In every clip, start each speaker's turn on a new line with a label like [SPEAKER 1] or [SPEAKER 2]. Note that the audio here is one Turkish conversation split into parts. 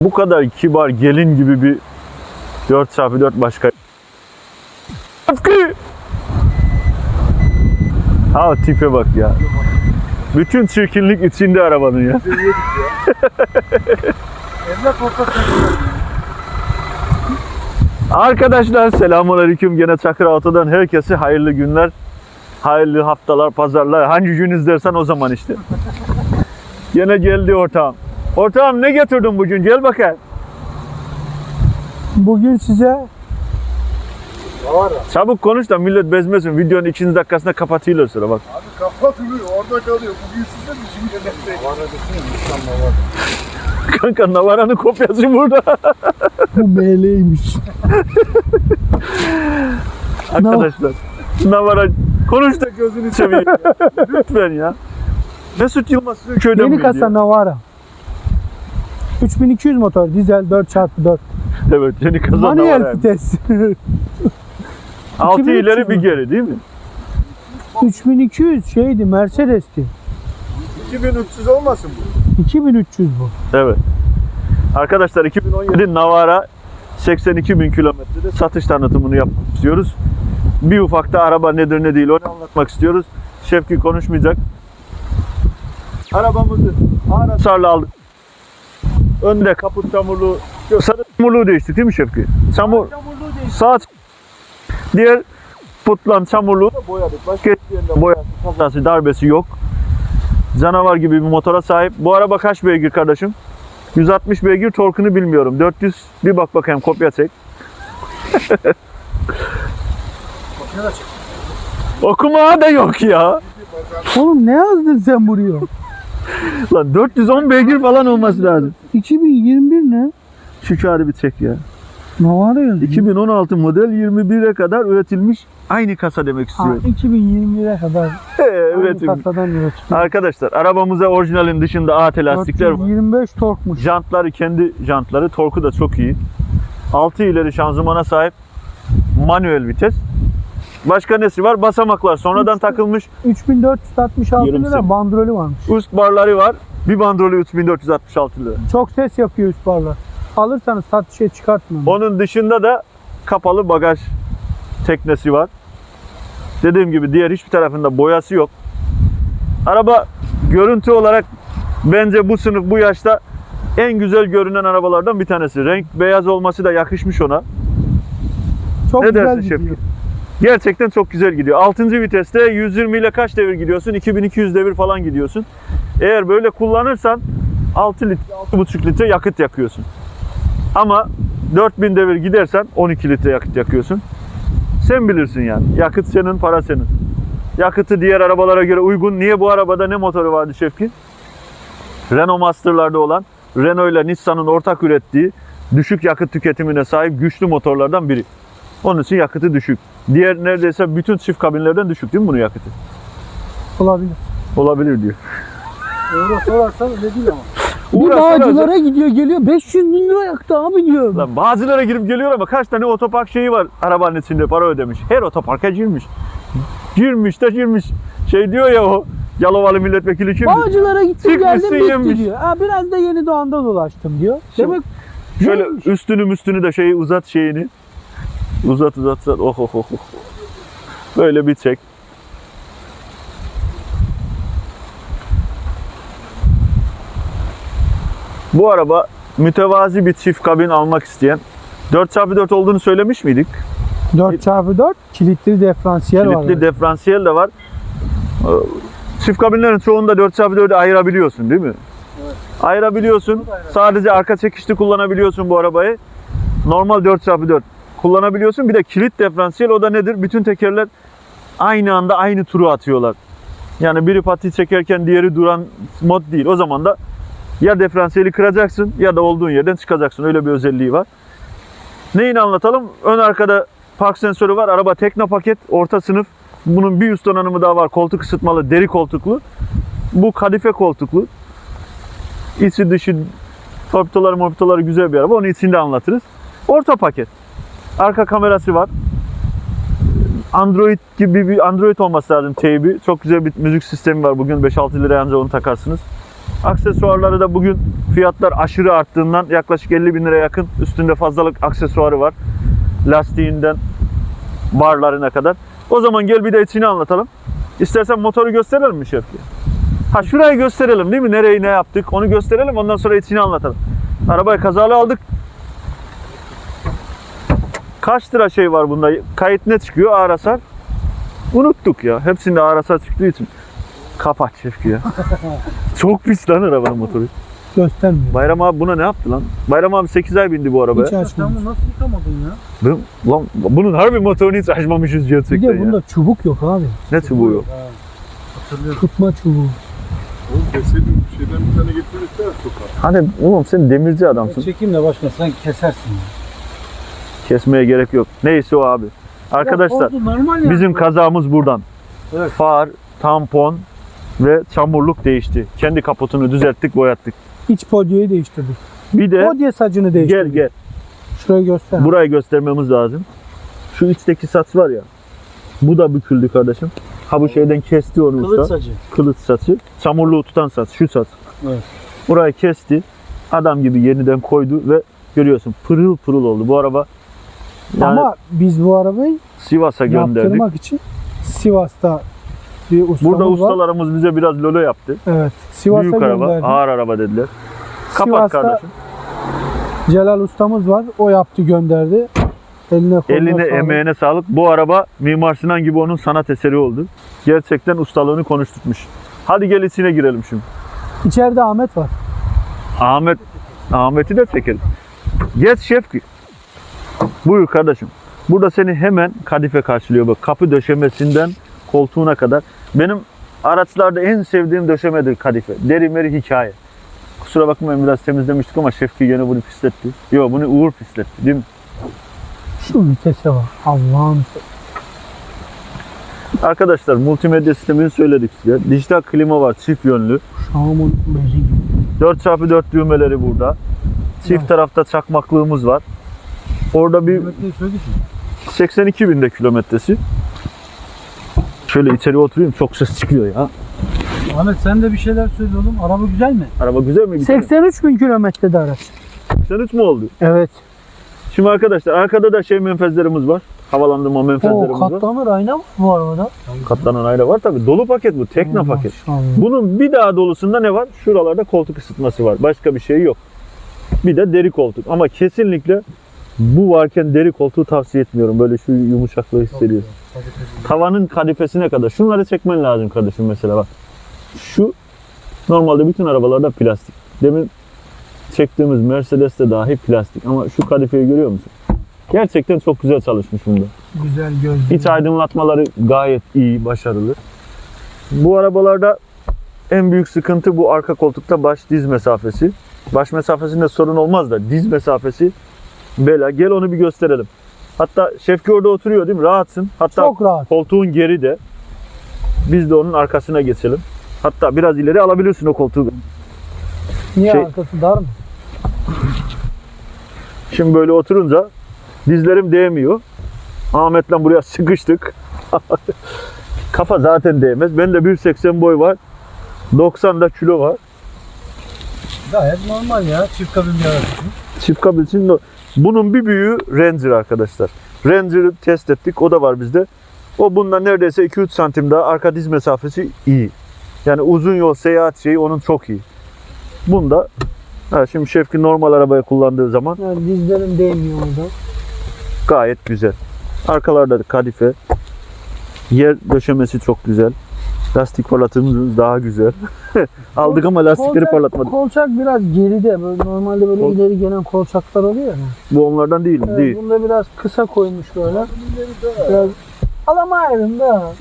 [SPEAKER 1] Bu kadar kibar gelin gibi bir 4x4 başka. Ha tipe bak ya. Bütün çirkinlik içinde arabanın ya. Arkadaşlar selamünaleyküm. Gene Çakır Auto'dan herkese hayırlı günler. Hayırlı haftalar, pazarlar. Hangi gün izlersen o zaman işte. Gene geldi ortağım. Ortağım ne getirdin bugün? Gel bakayım.
[SPEAKER 2] Bugün size
[SPEAKER 1] Çabuk konuş da millet bezmesin. Videonun 2. dakikasında kapatıyorlar sonra bak.
[SPEAKER 3] Abi kapatılıyor, orada kalıyor. Bugün size bizim yemekte. Navara desene, Navara.
[SPEAKER 1] Kanka Navara'nın kopyası burada.
[SPEAKER 2] bu ML'ymiş.
[SPEAKER 1] Arkadaşlar Navara konuş da gözünü seveyim. Lütfen ya. Mesut Yılmaz sizin köyden
[SPEAKER 2] Yeni
[SPEAKER 1] miydi
[SPEAKER 2] kasa
[SPEAKER 1] ya?
[SPEAKER 2] Navara. 3200 motor, dizel 4x4.
[SPEAKER 1] Evet yeni kasa
[SPEAKER 2] Manuel
[SPEAKER 1] Navara.
[SPEAKER 2] vites.
[SPEAKER 1] 6 ileri
[SPEAKER 2] 2300
[SPEAKER 1] bir
[SPEAKER 2] mü?
[SPEAKER 1] geri değil mi?
[SPEAKER 2] 3200 şeydi, Mercedes'ti.
[SPEAKER 3] 2300 olmasın bu?
[SPEAKER 2] 2300 bu.
[SPEAKER 1] Evet. Arkadaşlar 2017 Navara 82.000 kilometrede satış tanıtımını yapmak istiyoruz. Bir ufakta araba nedir ne değil onu anlatmak istiyoruz. Şevki konuşmayacak. Arabamızı ağır hasarla aldık. Önde kaput çamurluğu, sarı çamurluğu değişti değil mi Şevki? Sağ diğer putlan çamurluğu da boyadık. Başka hiçbir yerinde boyası, kazası, darbesi yok. Canavar gibi bir motora sahip. Bu araba kaç beygir kardeşim? 160 beygir, torkunu bilmiyorum. 400 bir bak bakayım, kopya çek. Okuma da yok ya.
[SPEAKER 2] Oğlum ne yazdın sen buraya?
[SPEAKER 1] Lan 410 beygir falan olması lazım.
[SPEAKER 2] 2021 ne?
[SPEAKER 1] Şu kağıdı bir çek ya.
[SPEAKER 2] Navara yazıyor.
[SPEAKER 1] 2016 model 21'e kadar üretilmiş aynı kasa demek
[SPEAKER 2] Ha,
[SPEAKER 1] istiyorum.
[SPEAKER 2] 2021'e kadar aynı
[SPEAKER 1] Üretilmiş.
[SPEAKER 2] kasadan üretilmiş.
[SPEAKER 1] Arkadaşlar arabamıza orijinalin dışında AT lastikler var.
[SPEAKER 2] 25 torkmuş.
[SPEAKER 1] Jantları kendi jantları, torku da çok iyi. 6 ileri şanzımana sahip. Manuel vites. Başka nesi var? Basamaklar sonradan takılmış.
[SPEAKER 2] 3466
[SPEAKER 1] Yarım
[SPEAKER 2] lira
[SPEAKER 1] sene.
[SPEAKER 2] bandrolü varmış.
[SPEAKER 1] Üst barları var. Bir bandrolü 3466 lira.
[SPEAKER 2] Çok ses yapıyor üst barlar. Alırsanız satışa çıkartmıyorum.
[SPEAKER 1] Onun dışında da kapalı bagaj teknesi var. Dediğim gibi diğer hiçbir tarafında boyası yok. Araba görüntü olarak bence bu sınıf, bu yaşta en güzel görünen arabalardan bir tanesi. Renk beyaz olması da yakışmış ona.
[SPEAKER 2] Çok
[SPEAKER 1] Ne
[SPEAKER 2] güzel
[SPEAKER 1] dersin
[SPEAKER 2] gidiyor.
[SPEAKER 1] Şevki? Gerçekten çok güzel gidiyor. 6. viteste 120 ile kaç devir gidiyorsun? 2200 devir falan gidiyorsun. Eğer böyle kullanırsan 6 litre, 6,5 litre yakıt yakıyorsun. Ama 4000 devir gidersen 12 litre yakıt yakıyorsun. Sen bilirsin yani. Yakıt senin, para senin. Yakıtı diğer arabalara göre uygun. Niye bu arabada ne motoru vardı Şevki? Renault Master'larda olan, Renault ile Nissan'ın ortak ürettiği düşük yakıt tüketimine sahip güçlü motorlardan biri. Onun için yakıtı düşük. Diğer neredeyse bütün çift kabinlerden düşük değil mi bunun yakıtı?
[SPEAKER 2] Olabilir.
[SPEAKER 1] Olabilir diyor.
[SPEAKER 3] Euro sorarsan öyle değil ama.
[SPEAKER 2] Bir
[SPEAKER 1] Uğraşsana
[SPEAKER 2] bağcılara gidiyor geliyor 500 bin lira yaktı abi diyor.
[SPEAKER 1] Lan bazılara girip geliyor ama kaç tane otopark şeyi var arabanın içinde, para ödemiş. Her otoparka girmiş. Girmiş. Şey diyor ya o Yalovalı milletvekili kim?
[SPEAKER 2] Bağcılara gittim
[SPEAKER 1] Çıkmışsın,
[SPEAKER 2] geldim bitti
[SPEAKER 1] yemiş.
[SPEAKER 2] diyor. Ha, biraz da Yeni Doğan'da dolaştım diyor. Demek
[SPEAKER 1] Şöyle
[SPEAKER 2] neymiş?
[SPEAKER 1] üstünü de şeyi uzat şeyini. Uzat. Oh. Böyle bir çek. Bu araba mütevazi bir çift kabin almak isteyen 4x4 olduğunu söylemiş miydik?
[SPEAKER 2] 4x4 kilitli diferansiyel var.
[SPEAKER 1] Kilitli diferansiyel de var. Çift kabinlerin çoğunda 4x4'ü ayırabiliyorsun değil mi?
[SPEAKER 3] Evet.
[SPEAKER 1] Ayırabiliyorsun. Sadece arka çekişli kullanabiliyorsun bu arabayı. Normal 4x4 kullanabiliyorsun. Bir de kilit diferansiyel, o da nedir? Bütün tekerler aynı anda aynı turu atıyorlar. Yani biri pati çekerken diğeri duran mod değil. O zaman da ya diferansiyeli kıracaksın ya da olduğun yerden çıkacaksın. Öyle bir özelliği var. Neyini anlatalım? Ön arkada park sensörü var. Araba tekno paket, orta sınıf. Bunun bir üst donanımı daha var. Koltuk ısıtmalı, deri koltuklu. Bu kadife koltuklu. İçi dışı torpidoları güzel bir araba. Onu içinde anlatırız. Orta paket. Arka kamerası var. Android gibi bir Android olması lazım teybi. Çok güzel bir müzik sistemi var. Bugün 5-6 liraya ancak onu takarsınız. Aksesuarları da bugün fiyatlar aşırı arttığından yaklaşık 50 bin lira yakın üstünde fazlalık aksesuarı var. Lastiğinden barlarına kadar. O zaman gel bir de içini anlatalım. İstersen motoru gösterelim mi Şevki? Ha şurayı gösterelim değil mi? Nereyi ne yaptık onu gösterelim, ondan sonra içini anlatalım. Arabayı kazalı aldık. Kaç lira şey var bunda? Kayıt ne çıkıyor? Ağır hasar. Unuttuk ya. Hepsinde ağır hasar çıktığı için. Kapat Şevki ya. Çok pis lan arabanın motoru.
[SPEAKER 2] Göstermiyor.
[SPEAKER 1] Bayram abi buna ne yaptı lan? Bayram abi 8 ay bindi bu arabaya.
[SPEAKER 2] Hiç açmamış.
[SPEAKER 3] Sen bunu nasıl yıkamadın ya?
[SPEAKER 1] Lan bunun harbi motorunu hiç açmamışız
[SPEAKER 2] Bir
[SPEAKER 1] gerçekten
[SPEAKER 2] de
[SPEAKER 1] ya.
[SPEAKER 2] bunda çubuk yok abi.
[SPEAKER 1] Ne çubuğu yok?
[SPEAKER 3] Hatırlıyorum.
[SPEAKER 2] Tutma çubuğu.
[SPEAKER 3] Oğlum deseydin bir şeyden bir tane getirirse sokağa.
[SPEAKER 1] Hani oğlum sen demirci adamsın.
[SPEAKER 4] Çekeyim de başka sen kesersin ya.
[SPEAKER 1] Kesmeye gerek yok. Neyse o abi. Arkadaşlar
[SPEAKER 4] Oldu, normal ya.
[SPEAKER 1] bizim kazamız buradan.
[SPEAKER 4] Evet.
[SPEAKER 1] Far, tampon ve çamurluk değişti. Kendi kaputunu düzelttik, boyattık.
[SPEAKER 2] İç podyeyi değiştirdik.
[SPEAKER 1] Bir de
[SPEAKER 2] Podye sacını
[SPEAKER 1] gel
[SPEAKER 2] değiştirdik.
[SPEAKER 1] gel.
[SPEAKER 2] Şurayı göster.
[SPEAKER 1] Burayı göstermemiz lazım. Şu içteki saç var ya. Bu da büküldü kardeşim. Ha bu şeyden kesti onu
[SPEAKER 4] Kılıç
[SPEAKER 1] usta.
[SPEAKER 4] sacı.
[SPEAKER 1] Kılıç saçı. Çamurluğu tutan saç. Şu saç.
[SPEAKER 4] Evet.
[SPEAKER 1] Burayı kesti. Adam gibi yeniden koydu ve görüyorsun pırıl pırıl oldu. Bu araba yani
[SPEAKER 2] Ama biz bu arabayı
[SPEAKER 1] Sivas'a gönderdik.
[SPEAKER 2] yaptırmak için Sivas'ta bir ustamız
[SPEAKER 1] Burada
[SPEAKER 2] var.
[SPEAKER 1] ustalarımız bize biraz lolo yaptı.
[SPEAKER 2] Evet. Sivas'a
[SPEAKER 1] Büyük araba,
[SPEAKER 2] gönderdik.
[SPEAKER 1] ağır araba dediler. Kapat
[SPEAKER 2] Sivas'ta
[SPEAKER 1] kardeşim.
[SPEAKER 2] Celal ustamız var. O yaptı gönderdi. Eline koluna
[SPEAKER 1] Eline
[SPEAKER 2] sağlık.
[SPEAKER 1] emeğine sağlık. Bu araba Mimar Sinan gibi onun sanat eseri oldu. Gerçekten ustalığını konuşturmuş. Hadi gel içine girelim şimdi.
[SPEAKER 2] İçeride Ahmet var.
[SPEAKER 1] Ahmet'i de çekelim. Geç Şefki. Buyur kardeşim. Burada seni hemen kadife karşılıyor. Bak kapı döşemesinden koltuğuna kadar. Benim araçlarda en sevdiğim döşemedir kadife. Deri meri hikaye. Kusura bakmayın biraz temizlemiştik ama Şefki gene bunu pisletti. Yok bunu Uğur pisletti değil mi?
[SPEAKER 2] Şu vitese var. Allah'ım.
[SPEAKER 1] Arkadaşlar multimedya sistemini söyledik size. Dijital klima var çift yönlü.
[SPEAKER 2] Şam'ın bezi gibi.
[SPEAKER 1] 4x4 düğmeleri burada. Çift
[SPEAKER 2] Evet.
[SPEAKER 1] tarafta çakmaklığımız var. Orada bir
[SPEAKER 4] Kilometreyi söyledik mi?
[SPEAKER 1] 82 binde kilometresi. Şöyle içeri oturayım çok ses çıkıyor ya.
[SPEAKER 4] Ahmet sen de bir şeyler söyle oğlum. Araba güzel mi?
[SPEAKER 1] Araba güzel mi?
[SPEAKER 2] 83 bin kilometrede araç.
[SPEAKER 1] 83 mu oldu?
[SPEAKER 2] Evet.
[SPEAKER 1] Şimdi arkadaşlar arkada da şey menfezlerimiz var. Havalandırma
[SPEAKER 2] O
[SPEAKER 1] menfezlerimiz var.
[SPEAKER 2] katlanır ayna mı bu arabada?
[SPEAKER 1] Katlanan ayna var tabi. Dolu paket bu. Tekno paket.
[SPEAKER 2] Maşallah.
[SPEAKER 1] Bunun bir daha dolusunda ne var? Şuralarda koltuk ısıtması var. Başka bir şey yok. Bir de deri koltuk. Ama kesinlikle bu varken deri koltuğu tavsiye etmiyorum. Böyle şu yumuşaklığı hissediyorsun. Tavanın kadifesine kadar. Şunları çekmen lazım kardeşim mesela bak. Şu normalde bütün arabalarda plastik. Demin çektiğimiz Mercedes'te dahi plastik. Ama şu kadifeyi görüyor musun? Gerçekten çok güzel çalışmış bunda.
[SPEAKER 2] Güzel gözlü.
[SPEAKER 1] İç aydınlatmaları gayet iyi, başarılı. Bu arabalarda en büyük sıkıntı bu arka koltukta baş diz mesafesi. Baş mesafesinde sorun olmaz da diz mesafesi bela. Gel onu bir gösterelim. Hatta Şevki orada oturuyor değil mi? Rahatsın. Hatta
[SPEAKER 2] Çok rahat.
[SPEAKER 1] koltuğun geri de. Biz de onun arkasına geçelim. Hatta biraz ileri alabilirsin o koltuğu.
[SPEAKER 2] Niye
[SPEAKER 1] Şey-
[SPEAKER 2] arkası dar mı?
[SPEAKER 1] Şimdi böyle oturunca dizlerim değmiyor. Ahmet'le buraya sıkıştık. Kafa zaten değmez. Ben de 1.80 boy var. 90 da kilo var.
[SPEAKER 4] Gayet normal ya. Çift kabin bir araç.
[SPEAKER 1] Çift kabin için de- bunun bir büyüğü Ranger arkadaşlar. Ranger'ı test ettik. O da var bizde. O bundan neredeyse 2-3 santim daha arka diz mesafesi iyi. Yani uzun yol seyahat şeyi onun çok iyi. Bunda şimdi Şevki normal arabayı kullandığı zaman
[SPEAKER 2] Yani dizlerim değmiyor orada.
[SPEAKER 1] gayet güzel. Arkalarda da kadife. Yer döşemesi çok güzel. Lastik parlatımız daha güzel. Aldık ama lastikleri parlatmadık.
[SPEAKER 2] Kolçak biraz geride. Böyle normalde böyle
[SPEAKER 1] Kol-
[SPEAKER 2] ileri gelen kolçaklar oluyor ya.
[SPEAKER 1] Bu onlardan değil mi?
[SPEAKER 2] Evet,
[SPEAKER 1] Değil.
[SPEAKER 2] bunda biraz kısa koymuş böyle. Biraz alamayırım da.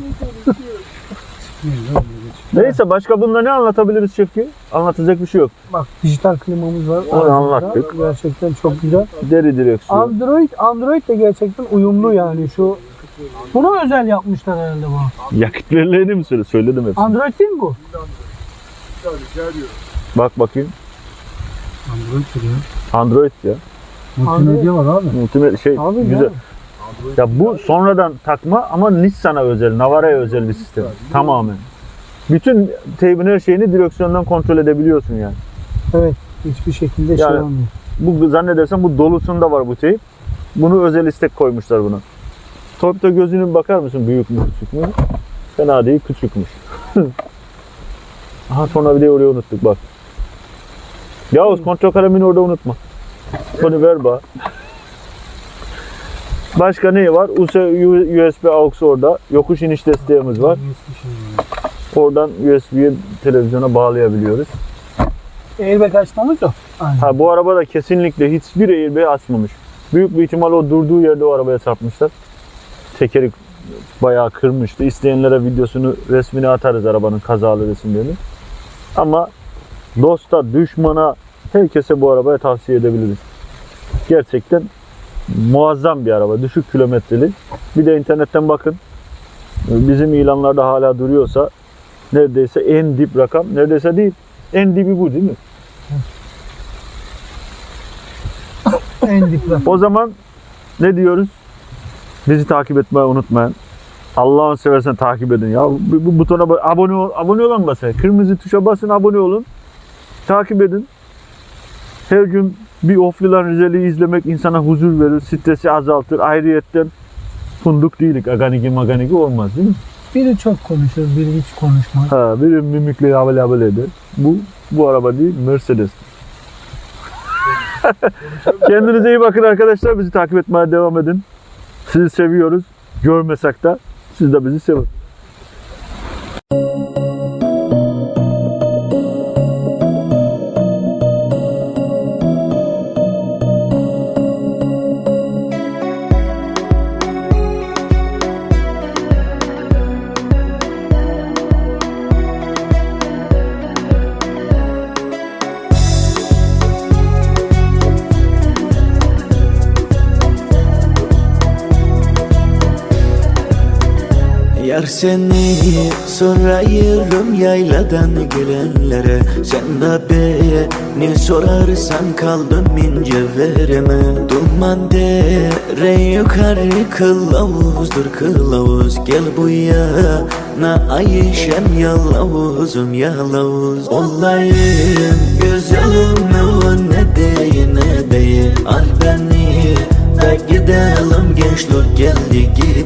[SPEAKER 1] Neyse başka bunda ne anlatabiliriz Şevki? Anlatacak bir şey yok.
[SPEAKER 2] Bak dijital klimamız var.
[SPEAKER 1] Onu
[SPEAKER 2] Aracımızda.
[SPEAKER 1] anlattık.
[SPEAKER 2] Gerçekten çok güzel.
[SPEAKER 1] Deri direksiyon.
[SPEAKER 2] Android de gerçekten uyumlu yani şu. Bunu özel yapmışlar herhalde bu.
[SPEAKER 1] Yakıt verilerini mi söyle? Söyledim hepsini.
[SPEAKER 2] Android değil mi bu?
[SPEAKER 1] Bak bakayım.
[SPEAKER 4] Android sürüyor.
[SPEAKER 1] Android ya.
[SPEAKER 4] Multimedya var abi.
[SPEAKER 1] Multimedya şey
[SPEAKER 2] Abi
[SPEAKER 1] güzel.
[SPEAKER 2] ya.
[SPEAKER 1] Ya bu sonradan takma ama Nissan'a özel, Navara'ya özel bir sistem. Tamamen. Bütün teybin her şeyini direksiyondan kontrol edebiliyorsun yani.
[SPEAKER 2] Evet. Hiçbir şekilde şey
[SPEAKER 1] Yani-
[SPEAKER 2] olmuyor.
[SPEAKER 1] Bu zannedersem bu dolusunda var bu teyp. Bunu özel istek koymuşlar buna. Torpido gözünü bir bakar mısın? Büyük mü küçük mü? Fena değil, küçükmüş. Aha tornavidayı oraya unuttuk bak. Yavuz kontrol kalemini orada unutma. Bunu ver bana. Başka ne var? USB aux orada. Yokuş iniş desteğimiz var. Oradan USB'ye televizyona bağlayabiliyoruz.
[SPEAKER 2] Airbag açmamız yok. Aynen.
[SPEAKER 1] Ha bu arabada kesinlikle hiçbir airbag açmamış. Büyük bir ihtimal o durduğu yerde o arabaya çarpmışlar. Tekeri bayağı kırmıştı. İsteyenlere videosunu, resmini atarız arabanın kazalı resimlerini. Ama dosta, düşmana, herkese bu arabaya tavsiye edebiliriz. Gerçekten muazzam bir araba. Düşük kilometreli. Bir de internetten bakın. Bizim ilanlarda hala duruyorsa neredeyse en dip rakam. Neredeyse değil. En dibi bu değil mi?
[SPEAKER 2] En dipler.
[SPEAKER 1] O zaman ne diyoruz? Bizi takip etmeyi unutmayın. Allah'ını seversen takip edin ya. Bu butona abone ol, abone olan basın. Kırmızı tuşa basın, abone olun. Takip edin. Her gün bir Oflilan Rizeli'yi izlemek insana huzur verir, stresi azaltır. Ayrıyetten funduk değilik. Aganigi olmaz değil mi?
[SPEAKER 2] Biri çok konuşur, biri hiç konuşmaz.
[SPEAKER 1] Ha, biri mimikle abel eder. Bu araba değil, Mercedes. Kendinize iyi bakın arkadaşlar. Bizi takip etmeye devam edin. Sizi seviyoruz. Görmesek de siz de bizi sevin.
[SPEAKER 5] Yar seni sorayım yayladan gelenlere. Sen de beni sorarsan kaldım ince vereme. Duman dere yukarı kılavuzdur kılavuz. Gel bu yana Ayşem yalavuzum yalavuz. Olayım güzelim ne değil ne değil. Al beni de gidelim gençlik geldi git.